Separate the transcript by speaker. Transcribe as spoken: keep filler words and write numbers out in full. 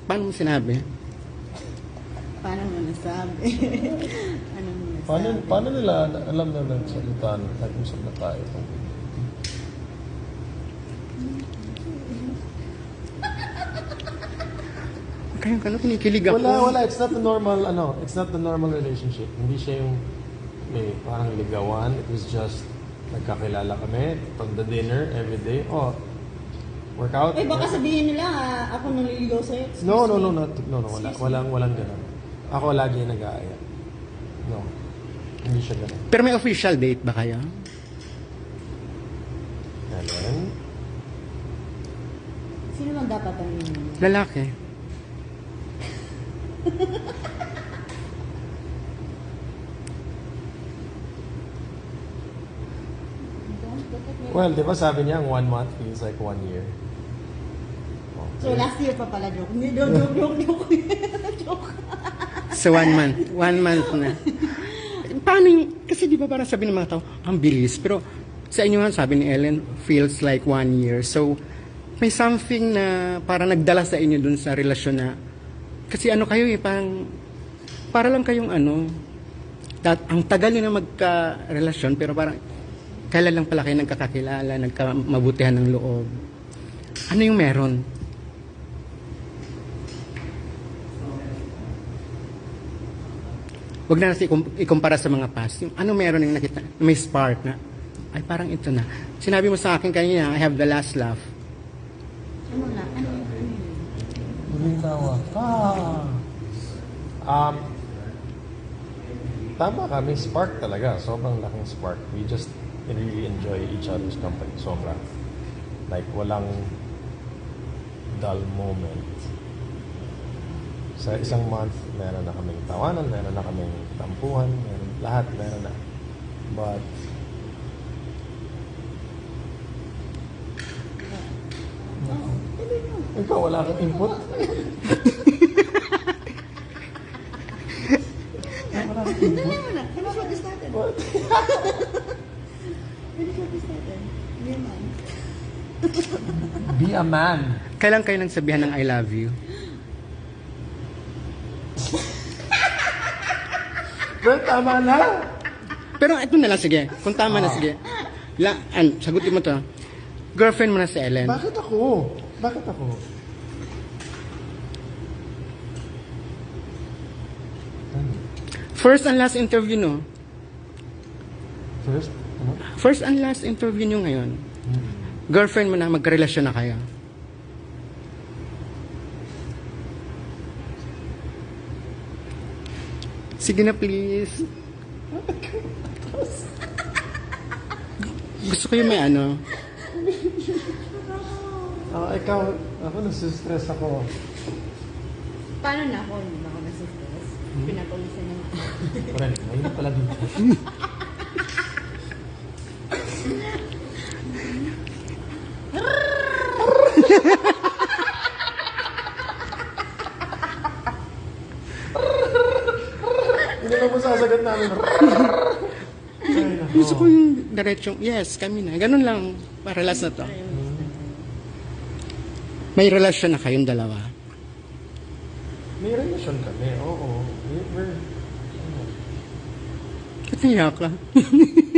Speaker 1: Paano mo sinabi?
Speaker 2: Paano mo nasabi? Ano mo nasabi?
Speaker 3: Paano, paano nila alam na nagsalita, nag-usap na tayo?
Speaker 1: Kaya ka na, kinikilig ako.
Speaker 3: Wala, wala. It's not the normal, ano, it's not the normal relationship. Hindi siya yung may parang ligawan. It was just, nagkakilala kami on the dinner every day. Oh, workout.
Speaker 2: Eh, baka sabihin nila, ah, ako naliligaw sa'yo. Excuse
Speaker 3: No, no,
Speaker 2: me.
Speaker 3: no, no, no, no, wala, walang, walang ganun. Ako lagi yung nag-aaya. No, hindi siya ganun.
Speaker 1: Pero may official date ba kayo?
Speaker 3: Helen?
Speaker 2: Sino lang dapat ang
Speaker 1: Lalaki.
Speaker 3: Well, di ba sabi niya, ang one month feels like one year.
Speaker 2: So, last year pa pala, joke. Hindi, joke, joke, joke, joke. Joke.
Speaker 1: So one month. One month na. Paano yung, kasi di ba parang sabi ng mga tao, ang bilis. Pero sa inyo nga, sabi ni Ellen, feels like one year. So, may something na parang nagdala sa inyo dun sa relasyon na, kasi ano kayo eh, parang, para lang kayong ano, dat, ang tagal nyo na magka-relasyon, pero parang, kailan lang pala kayo nagkakakilala, nagkamabutihan ng loob. Ano yung meron? Huwag na natin ikum- ikumpara sa mga past. Yung ano meron yung nakita, may spark na, ay parang ito na. Sinabi mo sa akin kanina, I have the last laugh.
Speaker 2: Ano na? Ano yun? Ano yun?
Speaker 3: Muling tawa. Ah. Um, tama ka, may spark talaga. Sobrang laking spark. We just really enjoy each other's company. Sobra. Like, walang dull moment. Sa isang month, meron na kaming tawanan, meron na kaming tampuhan, meron, lahat meron na. But, ikaw, wala kang input? Wala kang input?
Speaker 2: Ano mo na? Finish what you started.
Speaker 3: What?
Speaker 2: Finish what you started. Hindi man.
Speaker 3: Be a man.
Speaker 1: Kailan kayo nang sabihan ng I love you?
Speaker 3: Well, tama na.
Speaker 1: Pero ito na lang, sige. Kung tama na, sige. La, an, sagutin mo to. Girlfriend mo na si Ellen.
Speaker 3: Bakit ako? Bakit ako?
Speaker 1: First and last interview, no?
Speaker 3: First? Ano?
Speaker 1: First and last interview nyo ngayon. Girlfriend mo na, magkarelasyon na kayo. Sige na, please. Gusto ko yung may ano.
Speaker 3: Ah, ikaw, ako nasistress ako.
Speaker 2: Paano na ako? Hindi na ako nasistress. Pinapawisan niya.
Speaker 3: Friend, mahirap pala dito. Hindi na mo sasagot namin. Ay, nako.
Speaker 1: Gusto ko yung diretsong, yes, kami na. Ganun lang, para last na to. May relasyon na kayong dalawa.
Speaker 3: May relasyon kami, oo. We- We're, ano,
Speaker 1: Ba't naiyak ka?